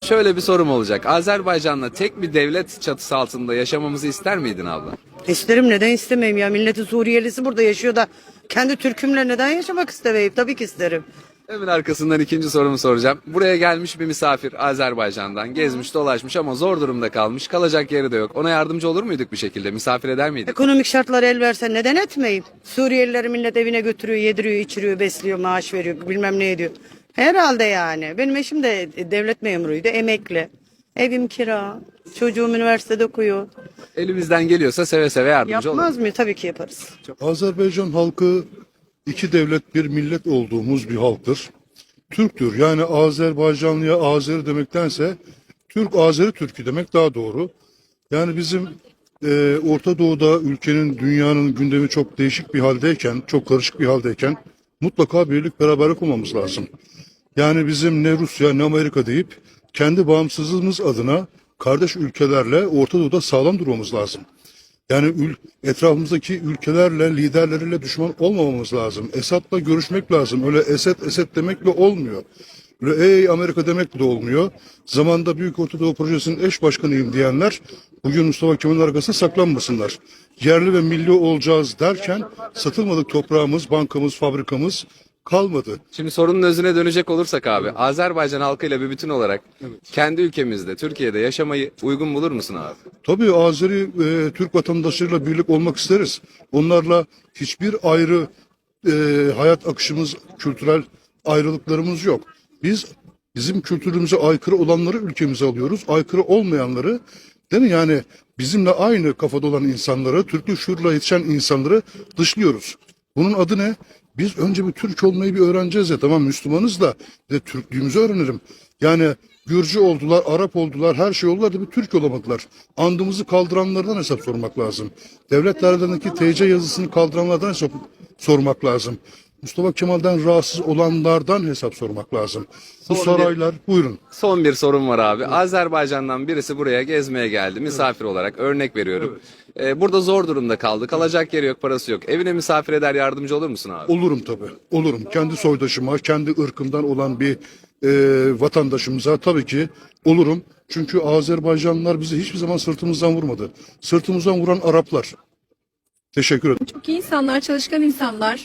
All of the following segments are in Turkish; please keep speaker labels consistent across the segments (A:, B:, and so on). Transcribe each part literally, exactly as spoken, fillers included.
A: şöyle bir sorum olacak. Azerbaycan'la tek bir devlet çatısı altında yaşamamızı ister miydin abla?
B: İsterim, neden istemeyeyim ya, milletin Suriyelisi burada yaşıyor da kendi Türk'ümle neden yaşamak istemeyeyim, tabii ki isterim.
A: Hemen arkasından ikinci sorumu soracağım. Buraya gelmiş bir misafir Azerbaycan'dan gezmiş dolaşmış ama zor durumda kalmış, kalacak yeri de yok. Ona yardımcı olur muyduk bir şekilde, misafir eder miydik?
B: Ekonomik şartlar el verse neden etmeyeyim? Suriyelileri millet evine götürüyor, yediriyor, içiriyor, besliyor, maaş veriyor, bilmem ne ediyor. Herhalde yani. Benim eşim de devlet memuruydu, emekli. Evim kira, çocuğum üniversitede okuyor.
A: Elimizden geliyorsa seve seve yardımcı oluruz.
B: Yapmaz mı? Tabii ki yaparız.
C: Azerbaycan halkı iki devlet bir millet olduğumuz bir halktır. Türktür. Yani Azerbaycanlıya Azeri demektense Türk Azeri Türkü demek daha doğru. Yani bizim e, Orta Doğu'da ülkenin, dünyanın gündemi çok değişik bir haldeyken, çok karışık bir haldeyken mutlaka birlik beraberlik olmamız lazım. Yani bizim ne Rusya ne Amerika deyip kendi bağımsızlığımız adına kardeş ülkelerle Orta Doğu'da sağlam durmamız lazım. Yani ül etrafımızdaki ülkelerle, liderleriyle düşman olmamamız lazım. Esad'la görüşmek lazım. Öyle Esed, Esed demekle olmuyor. Öyle ey Amerika demekle de olmuyor. Zamanında Büyük Orta Doğu Projesi'nin eş başkanıyım diyenler bugün Mustafa Kemal'in arkasında saklanmasınlar. Yerli ve milli olacağız derken satılmadık toprağımız, bankamız, fabrikamız kalmadı.
A: Şimdi sorunun özüne dönecek olursak abi, Azerbaycan halkıyla bir bütün olarak kendi ülkemizde, Türkiye'de yaşamayı uygun bulur musun abi?
C: Tabii Azeri e, Türk vatandaşlarıyla birlik olmak isteriz. Onlarla hiçbir ayrı e, hayat akışımız, kültürel ayrılıklarımız yok. Biz bizim kültürümüze aykırı olanları ülkemize alıyoruz. Aykırı olmayanları, değil mi? Yani bizimle aynı kafada olan insanları, Türklük şuurla yetişen insanları dışlıyoruz. Bunun adı ne? Biz önce bir Türk olmayı bir öğreneceğiz ya, tamam Müslümanız da bir de Türklüğümüzü öğrenelim. Yani Gürcü oldular, Arap oldular, her şey oldular da bir Türk olamadılar. Andımızı kaldıranlardan hesap sormak lazım. Devletlerindeki T C yazısını kaldıranlardan hesap sormak lazım. Mustafa Kemal'den rahatsız olanlardan hesap sormak lazım. Bu
A: Son
C: saraylar, buyurun.
A: Son bir sorum var abi. Azerbaycan'dan birisi buraya gezmeye geldi. Misafir olarak örnek veriyorum. Ee, burada zor durumda kaldı. Kalacak yeri yok, parası yok. Evine misafir eder, yardımcı olur musun abi?
C: Olurum tabii, olurum. Kendi soydaşıma, kendi ırkımdan olan bir e, vatandaşımıza tabii ki olurum. Çünkü Azerbaycanlılar bizi hiçbir zaman sırtımızdan vurmadı. Sırtımızdan vuran Araplar. Teşekkür ederim.
D: Çok iyi insanlar, çalışkan insanlar.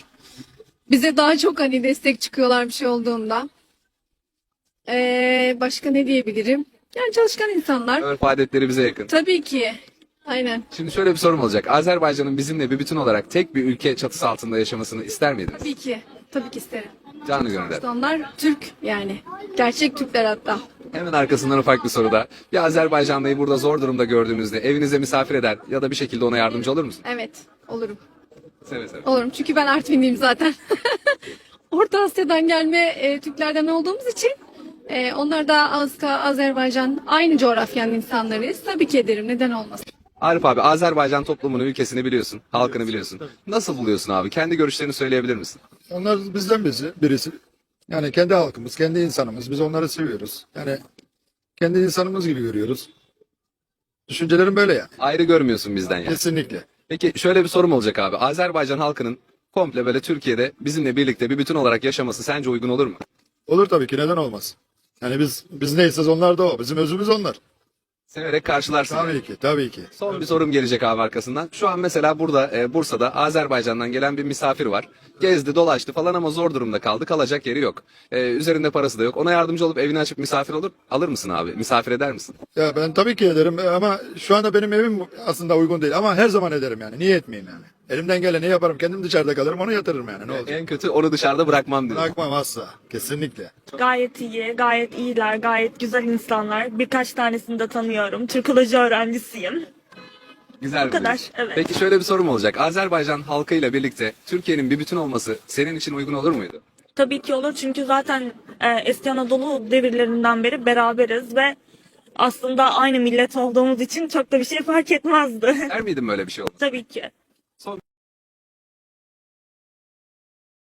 D: Bize daha çok hani destek çıkıyorlar bir şey olduğunda. Ee, başka ne diyebilirim? Yani çalışkan insanlar.
A: Örf adetleri bize yakın.
D: Tabii ki. Aynen.
A: Şimdi şöyle bir sorum olacak. Azerbaycan'ın bizimle bir bütün olarak tek bir ülke çatısı altında yaşamasını ister miydiniz?
D: Tabii ki. Tabii ki isterim.
A: Canı gönülden.
D: Onlar Türk yani. Gerçek Türkler hatta.
A: Hemen arkasından ufak bir soru da. Bir Azerbaycanlıyı burada zor durumda gördüğünüzde evinize misafir eder ya da bir şekilde ona yardımcı olur musun?
D: Evet. Olurum.
A: Seve seve.
D: Olurum. Çünkü ben Artvinliyim zaten. Orta Asya'dan gelme e, Türklerden olduğumuz için e, onlar da Azka, Azerbaycan aynı coğrafyanın insanlarıyız. Tabii ki ederim. Neden olmasın?
A: Arif abi, Azerbaycan toplumunu, ülkesini biliyorsun, halkını biliyorsun. Nasıl buluyorsun abi? Kendi görüşlerini söyleyebilir misin?
E: Onlar bizden birisi, birisi. Yani kendi halkımız, kendi insanımız. Biz onları seviyoruz. Yani kendi insanımız gibi görüyoruz. Düşüncelerim böyle yani.
A: Ayrı görmüyorsun bizden yani.
E: Kesinlikle.
A: Peki şöyle bir sorum olacak abi. Azerbaycan halkının komple böyle Türkiye'de bizimle birlikte bir bütün olarak yaşaması sence uygun olur mu?
E: Olur tabii ki, neden olmaz? Yani biz biz neyseniz onlar da o. Bizim özümüz onlar.
A: Severek karşılarsın. yani.
E: Tabii ki, tabii ki.
A: Son bir sorum gelecek abi arkasından. Şu an mesela burada e, Bursa'da Azerbaycan'dan gelen bir misafir var. Gezdi, dolaştı falan ama zor durumda kaldı. Kalacak yeri yok. E, üzerinde parası da yok. Ona yardımcı olup evini açıp misafir olur. Alır mısın abi? Misafir eder misin?
E: Ya ben tabii ki ederim ama şu anda benim evim aslında uygun değil. Ama her zaman ederim yani. Niye etmeyeyim yani? Elimden geleni yaparım. Kendim dışarıda kalırım, onu yatırırım yani. Ne olacak?
A: En kötü onu dışarıda bırakmam diyor.
E: Bırakmam asla. Kesinlikle.
F: Gayet iyi, gayet iyiler, gayet güzel insanlar. Birkaç tanesini de tanıyorum. Türkoloji öğrencisiyim.
A: Güzel
F: Bu kadar,
A: bir iş.
F: evet.
A: Peki şöyle bir sorum olacak. Azerbaycan halkıyla birlikte Türkiye'nin bir bütün olması senin için uygun olur muydu?
F: Tabii ki olur çünkü zaten e, eski Anadolu devirlerinden beri beraberiz ve aslında aynı millet olduğumuz için çok da bir şey fark etmezdi.
A: Der miydin böyle bir şey oldu?
F: Tabii ki.
A: Son